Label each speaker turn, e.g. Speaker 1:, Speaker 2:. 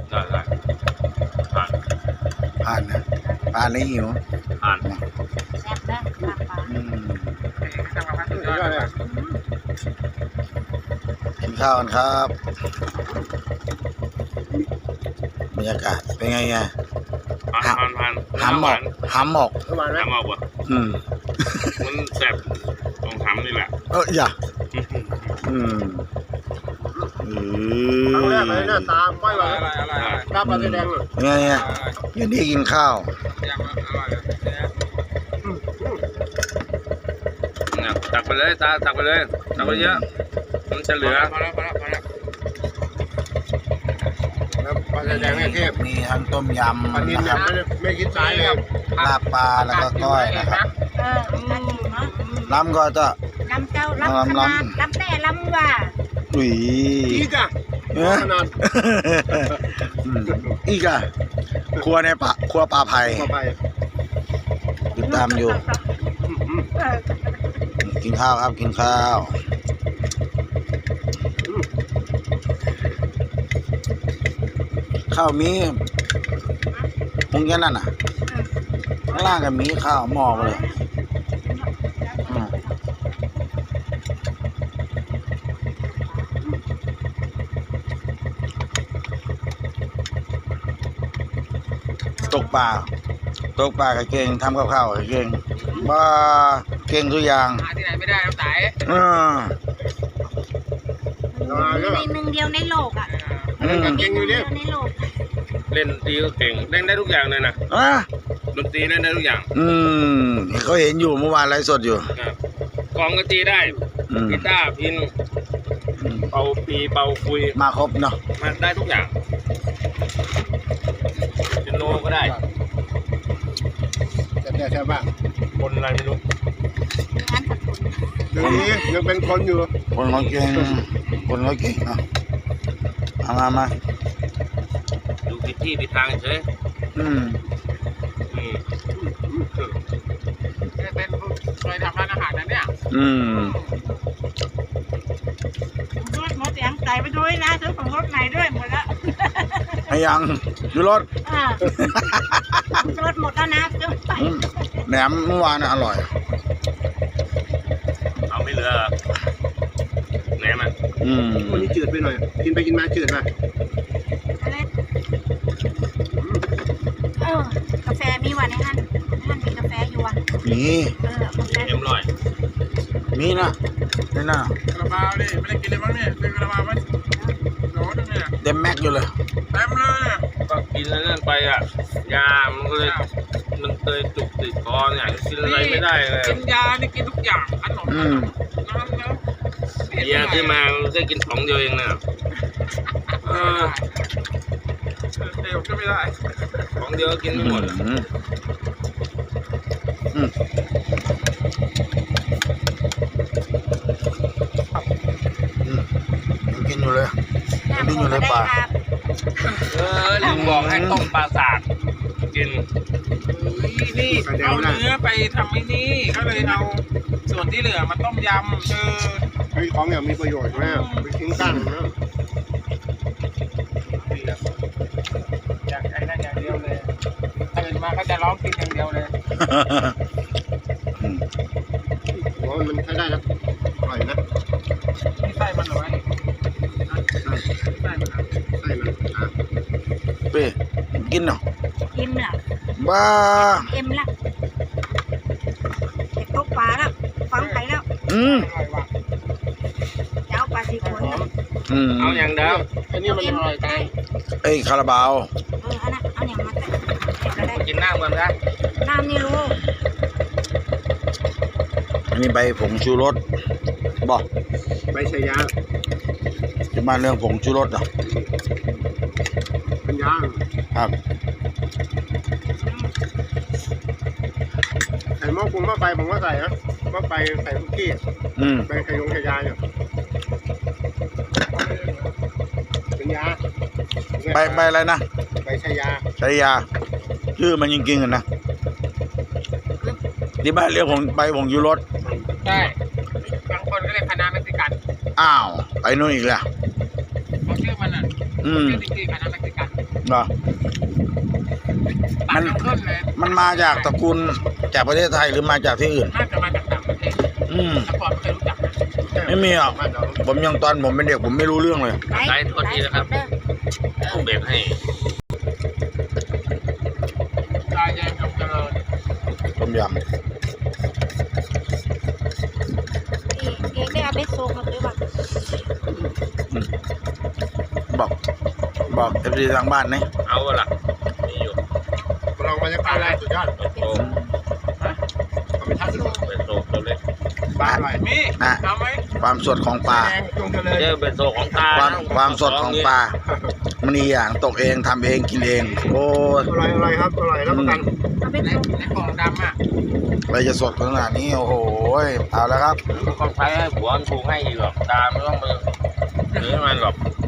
Speaker 1: ได้ผ่าน
Speaker 2: ผ่านนะผ่านเลยหิว
Speaker 1: ผ่าน
Speaker 3: แซ่บนะลาบปลา
Speaker 2: กินข้าวกันครับบรรยากาศเป็นไงไง
Speaker 1: ผ่าน
Speaker 2: หำหมอกหำหมอก
Speaker 1: หำออกว่ะ
Speaker 2: อืม
Speaker 1: มันแสบตรงหำนี่แหละ
Speaker 2: อย่าอืม
Speaker 4: ครั้งแรกเลยหน้าตาไม่ไหวตาปลาแดงเลย
Speaker 2: ไงไงอยู่นี่กินข้าว
Speaker 1: ตักไปเลยตักไปเลยตักไปเยอะมันจะเหลือ
Speaker 4: แล้วปลาแดงเนี่ยเทพ
Speaker 2: มีทั้งต้มยำ
Speaker 4: ปลานิล
Speaker 2: นะครับ
Speaker 4: ไม่คิดซ้ายเลย
Speaker 2: ลาบปลาแล้วก็ก้อยนะครับ
Speaker 3: น่ากินเนาะ
Speaker 2: ล้ำก็จะ
Speaker 3: ลำเจ้าลำขนาดลำแต่ลำว่า
Speaker 2: อุ้ย
Speaker 4: อีกอ่ะ
Speaker 2: เอ้ย
Speaker 4: ขนาด
Speaker 2: อีกอะครัวในป่าครัวปลาไผ่
Speaker 4: มาไป
Speaker 2: ติดตามอยู่ กินข้าวครับกินข้าว ข้าวมีคงแค่นั้นน่ะข้างล่างก็มีข้าวหม้อไปเลยตกปลาก็เก่งทำกับข้าวก็เก่งบ้าเก่งทุกอย่าง
Speaker 5: หาที่ไหนไม่ได้น้ำไต
Speaker 3: ในหนึ่งเดียวในโลกอ่ะ
Speaker 4: เก่งอยู่เนี่ย
Speaker 3: ในโลก
Speaker 1: เล่นดนตรีก็เก่งเล่นได้ทุกอย่างเลยนะ
Speaker 2: อ่ะ
Speaker 1: ดนตรีเล่นได้ทุกอย่าง
Speaker 2: เขาเห็นอยู่เมื่อวานไลฟ์สดอยู่
Speaker 1: กลองก็ตีได้กีตาร์พินเป่าปีเป่าคุย
Speaker 2: มาครบเนาะ
Speaker 1: มันได้ทุกอย่างเปียโนก็ได้
Speaker 4: แต่ใช่ป่ะ
Speaker 1: คนอะไรไม่รู้
Speaker 3: งานสักคน
Speaker 4: เดี๋ยวนี้ยังเป็นคนอยู่
Speaker 2: คนเขาเก่งเนาะมา
Speaker 1: ดูผิดที่ผิดทางเฉย
Speaker 5: เป็นเคยทำร้านอาหารนะเนี่ย
Speaker 3: รถหมดเสียงใส่ไปด้วยนะซื้อของรถไหนด้วยหมดแล้ว
Speaker 2: ไอ้ยังอยู่รถ
Speaker 3: รถหมดแล้วนะซื้อไป
Speaker 2: แหนมเมื่อวานน่ะอร่อย
Speaker 1: เอาไม่เหลือแหนมอ่ะ
Speaker 4: วันนี้จืดไปหน่อย กินไปกินมาจืดป่ะ
Speaker 3: กาแฟมีว่ะในท่านมีกาแฟอยู่ว่ะ
Speaker 2: มี
Speaker 3: กาแฟ
Speaker 1: เอ็มร้อย
Speaker 2: มีนะนี่นะ
Speaker 5: กระเป๋าดิไม่ได้กินเลยมั้งเนี่ยเป็นกระเป๋าไหมโหลนึงเนี่ย
Speaker 2: เต็มแม็กอยู่เลย
Speaker 5: เต็มเลย
Speaker 1: ก็กินแล้วนั่นไปอ่ะยามันก็เลยมันเคยจุกติดคอเนี่ยกินอะไรไม่ได้เลย
Speaker 5: กินยานี่กินทุกอย่างขนมน้ำแล้ว
Speaker 1: เบียร์ที่มามันได้กิน2 เดียวเองนะ
Speaker 5: เดี๋ยวก็ไม่ได้
Speaker 1: 2 เดียวก็กินไม่หมด
Speaker 2: กินอยู่เลยดิ้นอยู่เลยป่า
Speaker 1: ลุงบอกให้ต้มปลาสากกิน
Speaker 5: นี่เอาเนื้อไปทำไอ้นี่ก็เลยเอาส่วนที่เหลือมาต้มยำ
Speaker 4: เฮ้ยของอย่างมีประโยชน์แม่ไปทิ้งตั้งนะ
Speaker 5: อยากใช้นั่นอย่างเดียวเลยตื่นมาก็จะร้องกินอย่างเดียวเลย
Speaker 4: หัวมันใช้ได้นะอร่อยนะ
Speaker 5: นี่ไส้มันหรอวะนี่ไส้มัน
Speaker 4: ใช่มัน
Speaker 2: เป้กินเนาะ
Speaker 3: เอ็มล่ะ
Speaker 2: บ้า
Speaker 3: เอ็มล่ะเก็บตกปลาแล้วฟังไผ่แล้ว
Speaker 5: อร่อยว่ะ
Speaker 3: จะเอาปลาสีขน
Speaker 1: เอาอย่างเดิม
Speaker 4: อันนี้มันอร่อยไป
Speaker 2: ไอ้คาราบาว
Speaker 3: อันนั้นเอาอย่างมาแต่ก็ได้
Speaker 1: กินน้ำกันนะ
Speaker 3: น้ำนี่รู้
Speaker 2: อันนี้ใบผงชูรสบอก
Speaker 4: ใบชายา
Speaker 2: จะมาเรื่องผงชูรสเหรอ
Speaker 4: เป็นย่าง
Speaker 2: ครับ
Speaker 4: ใส่หม้อปรุงหม้อไฟผมก็ใส่นะหม้อไฟใส่คุกกี้ใบไข่ยงไข่ยาเนี่ยเป็นยา
Speaker 2: ใบอะไรนะ
Speaker 4: ใบชายา
Speaker 2: ชายาชื่อมันจริงๆกันนะที่บ้านเรียกผมใบผงชูรส
Speaker 5: ใช่บางคนก็เรียกคณะเม็กซิกัน
Speaker 2: อ้าวไปนู่นอีกแล้ว
Speaker 5: เขาชื่อมันอ่ะชื่อจริงๆคณะเม็กซิกัน
Speaker 2: เหรอ
Speaker 5: มันขึ้นเลย
Speaker 2: มันมาจากตระกูลจากประเทศไทยหรือมาจากที่อื่น
Speaker 5: น่าจะมาจากต่างประเทศ
Speaker 2: อืม
Speaker 5: แต่ก่อนไม่เคยรู้จักนะ
Speaker 2: ไม่มีหรอก
Speaker 4: บ้านเรา
Speaker 2: ผมยังตอนผมเป็นเด็กผมไม่รู้เรื่องเลย
Speaker 1: ได้โทษทีนะครับต้องเบรกให้
Speaker 5: ลายแยงกับเจริญ
Speaker 2: ต้มย
Speaker 3: เองได้เอาเบสโซมาด้วยป่ะ
Speaker 2: ำบอกเอฟซีทางบ้านนี่
Speaker 1: เอาล่ะมีอยู่
Speaker 4: ลองบรรยากาศแรกสุดยอด
Speaker 1: เป็นโต
Speaker 4: เอาไปทัศน์
Speaker 1: เป็นโตตัวเล็ก
Speaker 4: บ้านใหม่
Speaker 5: มีเอาไหม
Speaker 2: ความสดของปลา
Speaker 4: แดงจงเจริญ
Speaker 1: เจอเป็นโตของตา
Speaker 2: ความสดของปลามันอีอย่างตกเองทำเองกินเอง โอ้ย
Speaker 4: อร่อยครับอร่อยรับประกัน
Speaker 3: เอาเบส
Speaker 5: ใน
Speaker 3: โซ
Speaker 5: ในกล่องดำอ่ะ
Speaker 2: อะไรจะสดขนาดนี้โอ้โหเอาแล้วครับ
Speaker 1: ต้องใช้ให้ผัวมันปรุงให้อีกหรอกตาไม่ต้องมาหรือมันหรอก
Speaker 2: อ